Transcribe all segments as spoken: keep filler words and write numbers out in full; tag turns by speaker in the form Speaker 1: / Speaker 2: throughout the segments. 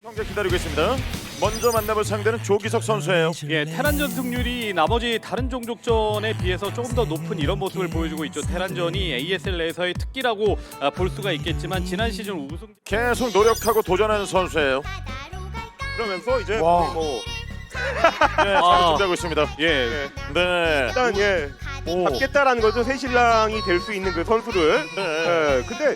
Speaker 1: 경기 기다리고 있습니다. 먼저 만나볼 상대는 조기석 선수예요.
Speaker 2: 예, 테란전 승률이 나머지 다른 종족전에 비해서 조금 더 높은 이런 모습을 보여주고 있죠. 테란전이 에이에스엘 내에서의 특기라고 아, 볼 수가 있겠지만 지난 시즌 우승
Speaker 1: 계속 노력하고 도전하는 선수예요.
Speaker 3: 그러면서 이제
Speaker 1: 와.
Speaker 3: 뭐
Speaker 1: 네, 잘
Speaker 2: 아.
Speaker 1: 준비하고 있습니다.
Speaker 2: 예,
Speaker 3: 예,
Speaker 1: 네.
Speaker 3: 일단 예
Speaker 1: 오.
Speaker 3: 받겠다라는 거죠. 새신랑이 될 수 있는 그 선수를.
Speaker 1: 네.
Speaker 3: 예, 근데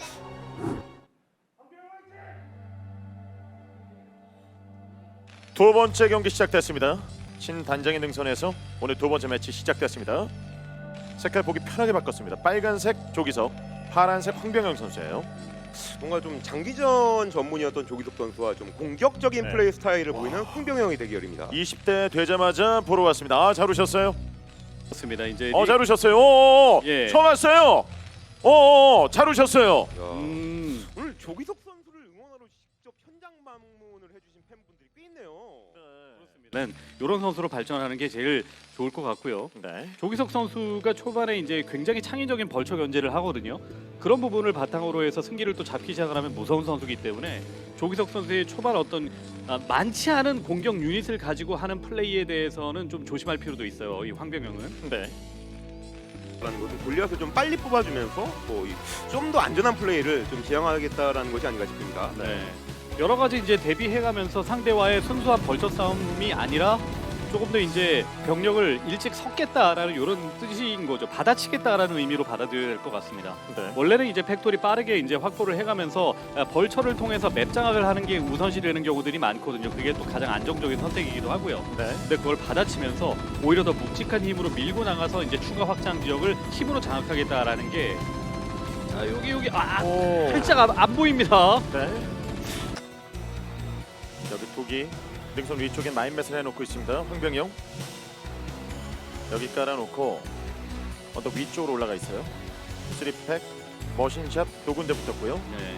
Speaker 1: 두 번째 경기 시작됐습니다. 신단장의 능선에서 오늘 두 번째 매치 시작됐습니다. 색깔 보기 편하게 바꿨습니다. 빨간색 조기석, 파란색 황병영 선수예요.
Speaker 3: 뭔가 좀 장기전 전문이었던 조기석 선수와 좀 공격적인
Speaker 1: 네.
Speaker 3: 플레이 스타일을 보이는 홍병영의 대결입니다.
Speaker 1: 이십 대 되자마자 보러 왔습니다. 아, 잘 오셨어요?
Speaker 2: 그렇습니다. 이제
Speaker 1: 어, 잘 오셨어요. 오,
Speaker 2: 예.
Speaker 1: 처음 왔어요. 오, 잘 오셨어요.
Speaker 3: 야,
Speaker 2: 음,
Speaker 3: 오늘 조기석 선수를 응원하러 직접 현장 방문을 해주신 팬분들이 꽤 있네요.
Speaker 2: 이런 선수로 발전하는 게 제일 좋을 것 같고요.
Speaker 1: 네.
Speaker 2: 조기석 선수가 초반에 이제 굉장히 창의적인 벌처 견제를 하거든요. 그런 부분을 바탕으로 해서 승기를 또 잡기 시작을 하면 무서운 선수이기 때문에 조기석 선수의 초반 어떤 아, 많지 않은 공격 유닛을 가지고 하는 플레이에 대해서는 좀 조심할 필요도 있어요. 이 황병영은.
Speaker 1: 네.
Speaker 3: 라는 것은 골리앗을 좀 빨리 뽑아주면서 뭐 좀 더 안전한 플레이를 좀 지향하겠다라는 것이 아닌가 싶습니다.
Speaker 2: 네. 여러 가지 이제 대비해가면서 상대와의 순수한 벌처 싸움이 아니라 조금 더 이제 병력을 일찍 섞겠다라는 이런 뜻인 거죠. 받아치겠다라는 의미로 받아들여야 될 것 같습니다.
Speaker 1: 네.
Speaker 2: 원래는 이제 팩토리 빠르게 이제 확보를 해가면서 벌처를 통해서 맵 장악을 하는 게 우선시 되는 경우들이 많거든요. 그게 또 가장 안정적인 선택이기도 하고요.
Speaker 1: 네.
Speaker 2: 근데 그걸 받아치면서 오히려 더 묵직한 힘으로 밀고 나가서 이제 추가 확장 지역을 힘으로 장악하겠다라는 게 자, 여기 여기 아
Speaker 1: 오.
Speaker 2: 살짝 안, 안 보입니다.
Speaker 1: 네. 여기 독이 능선 위쪽에 마인맷을 해놓고 있습니다. 황병영 여기 깔아놓고 언덕 위쪽으로 올라가 있어요. 쓰리팩, 머신샵 두 군데 붙었고요.
Speaker 2: 네.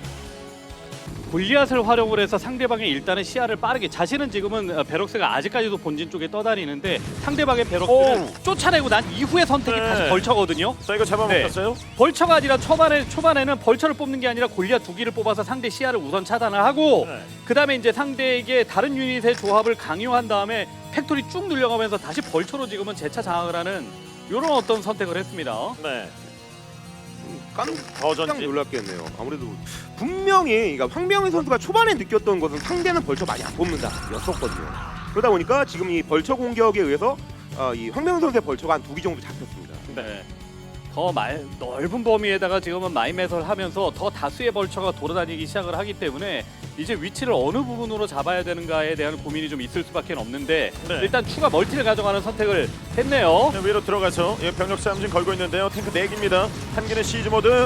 Speaker 2: 골리앗을 활용을 해서 상대방의 일단은 시야를 빠르게 자신은 지금은 어, 베럭스가 아직까지도 본진 쪽에 떠다니는데 상대방의 베럭스를
Speaker 1: 오.
Speaker 2: 쫓아내고 난 이후의 선택이
Speaker 1: 네.
Speaker 2: 다시 벌처거든요.
Speaker 1: 자, 이거 잡아먹혔어요.
Speaker 2: 벌처가 아니라 초반에 초반에는 벌처를 뽑는 게 아니라 골리앗 두 기를 뽑아서 상대 시야를 우선 차단을 하고
Speaker 1: 네.
Speaker 2: 그다음에 이제 상대에게 다른 유닛의 조합을 강요한 다음에 팩토리 쭉 늘려가면서 다시 벌처로 지금은 재차 장악을 하는 이런 어떤 선택을 했습니다.
Speaker 1: 네.
Speaker 3: 깜짝
Speaker 1: 더 전진.
Speaker 3: 놀랐겠네요. 아무래도 분명히 그러니까 황병희 선수가 초반에 느꼈던 것은 상대는 벌처 많이 안 뽑는다였었거든요. 그러다 보니까 지금 이 벌처 공격에 의해서 아, 이 황병희 선수의 벌처가 한 두 기 정도 잡혔습니다.
Speaker 2: 네. 더 말, 넓은 범위에다가 지금은 마인맷을 하면서 더 다수의 벌처가 돌아다니기 시작을 하기 때문에 이제 위치를 어느 부분으로 잡아야 되는가에 대한 고민이 좀 있을 수밖에 없는데
Speaker 1: 네.
Speaker 2: 일단 추가 멀티를 가져가는 선택을 했네요.
Speaker 1: 네, 위로 들어가서 예, 병력 싸움 지금 걸고 있는데요. 탱크 네 기입니다. 한 개는 시즈 모드.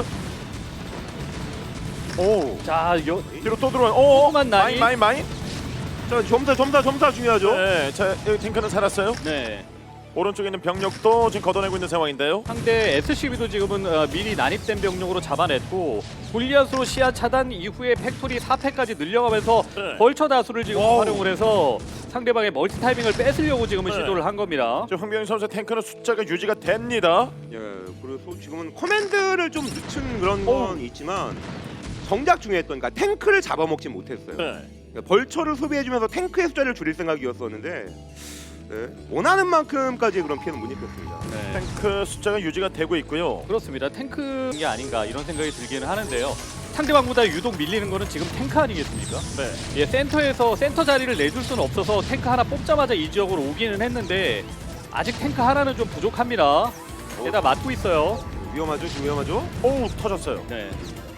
Speaker 1: 오.
Speaker 2: 자, 여,
Speaker 1: 뒤로 또 들어와. 오.
Speaker 2: 조그만
Speaker 1: 마인
Speaker 2: 라인.
Speaker 1: 마인 마인.
Speaker 3: 자, 점사 점사 점사 중요하죠.
Speaker 1: 네. 자, 여기 탱크는 살았어요.
Speaker 2: 네.
Speaker 1: 오른쪽에 있는 병력도 지금 걷어내고 있는 상황인데요.
Speaker 2: 상대 에스씨비도 지금은 어, 미리 난입된 병력으로 잡아냈고 골리앗으로 시야 차단 이후에 팩토리 사 패까지 늘려가면서
Speaker 1: 네.
Speaker 2: 벌처 다수를 지금
Speaker 1: 와우.
Speaker 2: 활용을 해서 상대방의 멀티 타이밍을 뺏으려고 지금은
Speaker 1: 네.
Speaker 2: 시도를 한 겁니다.
Speaker 1: 지금 황병희 선수 탱크는 숫자가 유지가 됩니다.
Speaker 3: 예, 그래서 지금은 커맨드를 좀 늦춘 그런
Speaker 1: 오.
Speaker 3: 건 있지만 정작 중요했던 그러니까 탱크를 잡아먹지 못했어요.
Speaker 1: 네.
Speaker 3: 그러니까 벌처를 소비해주면서 탱크의 숫자를 줄일 생각이었었는데 네, 원하는 만큼까지 그런 피해는 못 입혔습니다.
Speaker 2: 네.
Speaker 1: 탱크 숫자가 유지가 되고 있고요.
Speaker 2: 그렇습니다. 탱크인 게 아닌가 이런 생각이 들기는 하는데요. 상대방보다 유독 밀리는 거는 지금 탱크 아니겠습니까?
Speaker 1: 네.
Speaker 2: 예, 센터에서 센터 자리를 내줄 수는 없어서 탱크 하나 뽑자마자 이 지역으로 오기는 했는데 아직 탱크 하나는 좀 부족합니다. 게다 맞고 있어요.
Speaker 3: 위험하죠, 지금 위험하죠.
Speaker 1: 오, 터졌어요.
Speaker 2: 네.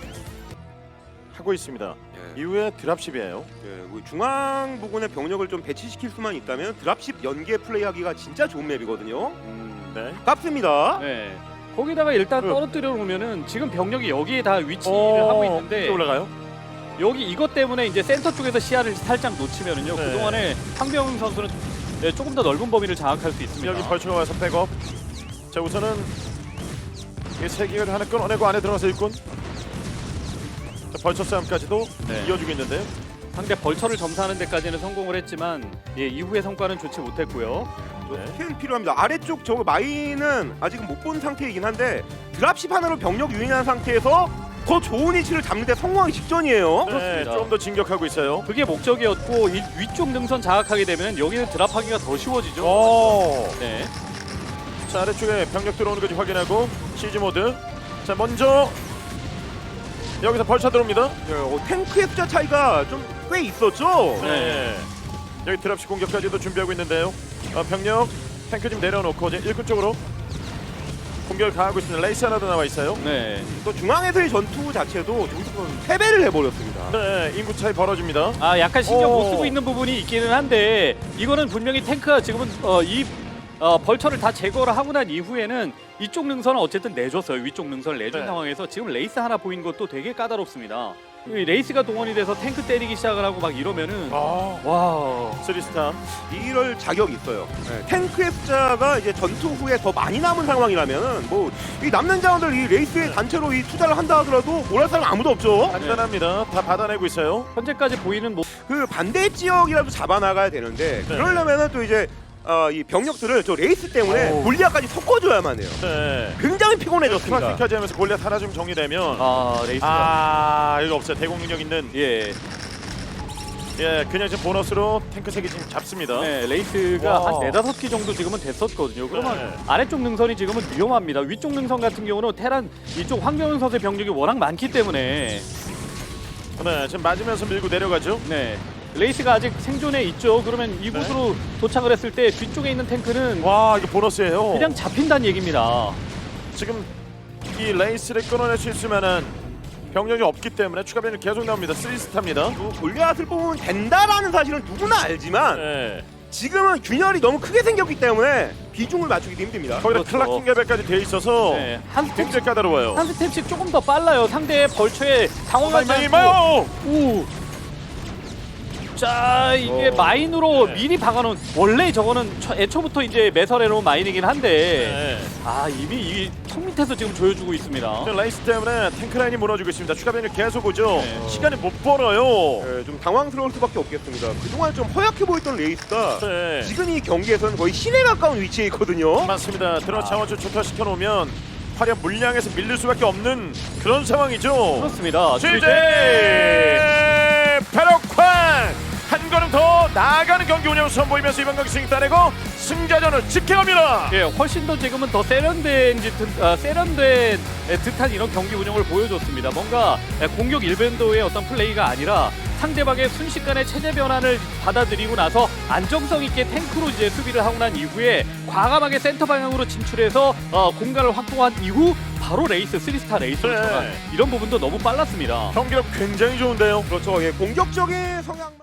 Speaker 1: 하고 있습니다.
Speaker 3: 예,
Speaker 1: 이후에 드랍십이에요.
Speaker 3: 예, 그 중앙 부근에 병력을 좀 배치시킬 수만 있다면 드랍십 연계 플레이하기가 진짜 좋은 맵이거든요.
Speaker 2: 음,
Speaker 1: 네.
Speaker 3: 깝습니다.
Speaker 2: 네. 거기다가 일단
Speaker 1: 네.
Speaker 2: 떨어뜨려 놓으면은 지금 병력이 여기에 다 위치를
Speaker 1: 어,
Speaker 2: 하고 있는데
Speaker 1: 이제 올라가요.
Speaker 2: 여기 이것 때문에 이제 센터 쪽에서 시야를 살짝 놓치면은요.
Speaker 1: 네.
Speaker 2: 그동안에 황병훈 선수는 네, 조금 더 넓은 범위를 장악할 수 있습니다.
Speaker 1: 여기 벌초가 와서 백업. 자, 우선은 이 세 개를 하나 끊어내고 안에 들어가서 일꾼. 자, 벌초 싸움까지도
Speaker 2: 네.
Speaker 1: 이어주고 있는데요.
Speaker 2: 상대 벌처를 점사하는 데까지는 성공을 했지만 예, 이후의 성과는 좋지 못했고요.
Speaker 1: 네.
Speaker 3: 스캔 필요합니다. 아래쪽 저 마인은 아직은 못 본 상태이긴 한데 드랍십 하나로 병력 유인한 상태에서 더 좋은 위치를 잡는데 성공하기 직전이에요.
Speaker 1: 네,
Speaker 2: 그렇습니다.
Speaker 1: 좀 더 진격하고 있어요.
Speaker 2: 그게 목적이었고 이 위쪽 능선 장악하게 되면 여기는 드랍하기가 더 쉬워지죠.
Speaker 1: 오.
Speaker 2: 네.
Speaker 1: 자, 아래쪽에 병력 들어오는 건지 확인하고 시즈 모드. 자, 먼저 여기서 벌쳐 들어옵니다.
Speaker 3: 네, 어, 탱크의 숫자 차이가 좀 꽤 있었죠.
Speaker 1: 네. 여기 드랍시 공격까지도 준비하고 있는데요. 어, 병력 탱크 좀 내려놓고 이제 일꾼 쪽으로 공격을 가하고 있습니다. 레이스 하나도 나와 있어요.
Speaker 2: 네.
Speaker 3: 또 중앙에서의 전투 자체도 조금 패배를 해버렸습니다.
Speaker 1: 네, 인구 차이 벌어집니다.
Speaker 2: 아 약간 신경
Speaker 1: 오.
Speaker 2: 못 쓰고 있는 부분이 있기는 한데 이거는 분명히 탱크가 지금은 어, 이 어, 벌처를 다 제거를 하고 난 이후에는 이쪽 능선을 어쨌든 내줬어요. 위쪽 능선을 내준
Speaker 1: 네.
Speaker 2: 상황에서 지금 레이스 하나 보인 것도 되게 까다롭습니다. 이 레이스가 동원이 돼서 탱크 때리기 시작을 하고 막 이러면은
Speaker 1: 아,
Speaker 2: 와
Speaker 1: 쓰리스타.
Speaker 3: 이럴 자격이 있어요. 네, 탱크의 숫자가 이제 전투 후에 더 많이 남은 상황이라면은 뭐 이 남는 자원들 이 레이스에 단체로 이 투자를 한다 하더라도 뭘 할 사람 아무도 없죠.
Speaker 1: 간단합니다. 다 받아내고 있어요.
Speaker 2: 현재까지 보이는 뭐
Speaker 3: 그 반대 지역이라도 잡아나가야 되는데
Speaker 1: 네.
Speaker 3: 그러려면은 또 이제 어, 이 병력들을 저 레이스 때문에
Speaker 1: 오.
Speaker 3: 골리앗까지 섞어줘야만 해요.
Speaker 1: 네.
Speaker 3: 굉장히 피곤해졌습니다.
Speaker 1: 크라킹까지 하면서 골리앗 하나 좀 정리되면
Speaker 2: 아 레이스가
Speaker 1: 아, 이거 없어요. 대공 능력 있는
Speaker 2: 예,
Speaker 1: 예, 그냥 지금 보너스로 탱크 세 개 지금 잡습니다.
Speaker 2: 네 레이스가
Speaker 1: 와.
Speaker 2: 한 네다섯 기 정도 지금은 됐었거든요. 그러면
Speaker 1: 네.
Speaker 2: 아래쪽 능선이 지금은 위험합니다. 위쪽 능선 같은 경우는 테란 이쪽 황병현 선수의 병력이 워낙 많기 때문에
Speaker 1: 네, 지금 맞으면서 밀고 내려가죠.
Speaker 2: 네. 레이스가 아직 생존해 있죠. 그러면 이곳으로 도착을 했을 때 뒤쪽에 있는 탱크는
Speaker 1: 와, 이거 보너스예요.
Speaker 2: 그냥 잡힌다는 얘기입니다.
Speaker 1: 지금 이 레이스를 끊어낼 수 있을 만한 병력이 없기 때문에 추가 병력 계속 나옵니다. 쓰리스타입니다.
Speaker 3: 또 골리앗을 뽑으면 된다라는 사실은 누구나 알지만
Speaker 1: 네.
Speaker 3: 지금은 균열이 너무 크게 생겼기 때문에 비중을 맞추기도 힘듭니다.
Speaker 1: 거기다
Speaker 2: 그렇죠.
Speaker 1: 클라킹 레벨까지 돼 있어서
Speaker 2: 네. 한 스텝,
Speaker 1: 굉장히 까다로워요.
Speaker 2: 한 스텝씩 조금 더 빨라요. 상대의 벌처에 당황하지
Speaker 1: 마이
Speaker 2: 않고.
Speaker 1: 마요.
Speaker 2: 오. 자 이게
Speaker 3: 어.
Speaker 2: 마인으로
Speaker 1: 네.
Speaker 2: 미리 박아놓은 원래 저거는 처- 애초부터 이제 매설해놓은 마인이긴 한데
Speaker 1: 네.
Speaker 2: 아 이미 이 턱 밑에서 지금 조여주고 있습니다.
Speaker 1: 지금 레이스 때문에 탱크 라인이 무너지고 있습니다. 추가 병력 계속 오죠.
Speaker 2: 네.
Speaker 1: 시간이 못 벌어요.
Speaker 3: 네, 좀 당황스러울 수밖에 없겠습니다. 그동안 좀 허약해 보였던 레이스가
Speaker 1: 네.
Speaker 3: 지금 이 경기에서는 거의 신에 가까운 위치에 있거든요.
Speaker 1: 맞습니다. 들어
Speaker 2: 아.
Speaker 1: 자원줄 초토화시켜 놓으면 화력 물량에서 밀릴 수밖에 없는 그런 상황이죠.
Speaker 2: 그렇습니다.
Speaker 1: 실제 패럭쾅 한 걸음 더 나아가는 경기 운영을 선보이면서 이번 경기 승리 따내고 승자전을 지켜갑니다.
Speaker 2: 예, 훨씬 더 지금은 더 세련된 듯, 아, 세련된 듯한 이런 경기 운영을 보여줬습니다. 뭔가 공격 일변도의 어떤 플레이가 아니라 상대방의 순식간에 체제 변환을 받아들이고 나서 안정성 있게 탱크로 이제 수비를 하고 난 이후에 과감하게 센터 방향으로 진출해서 어, 공간을 확보한 이후 바로 레이스 쓰리스타 레이스를
Speaker 1: 네.
Speaker 2: 전환 이런 부분도 너무 빨랐습니다.
Speaker 1: 경기력 굉장히 좋은데요.
Speaker 3: 그렇죠. 예, 공격적인 성향.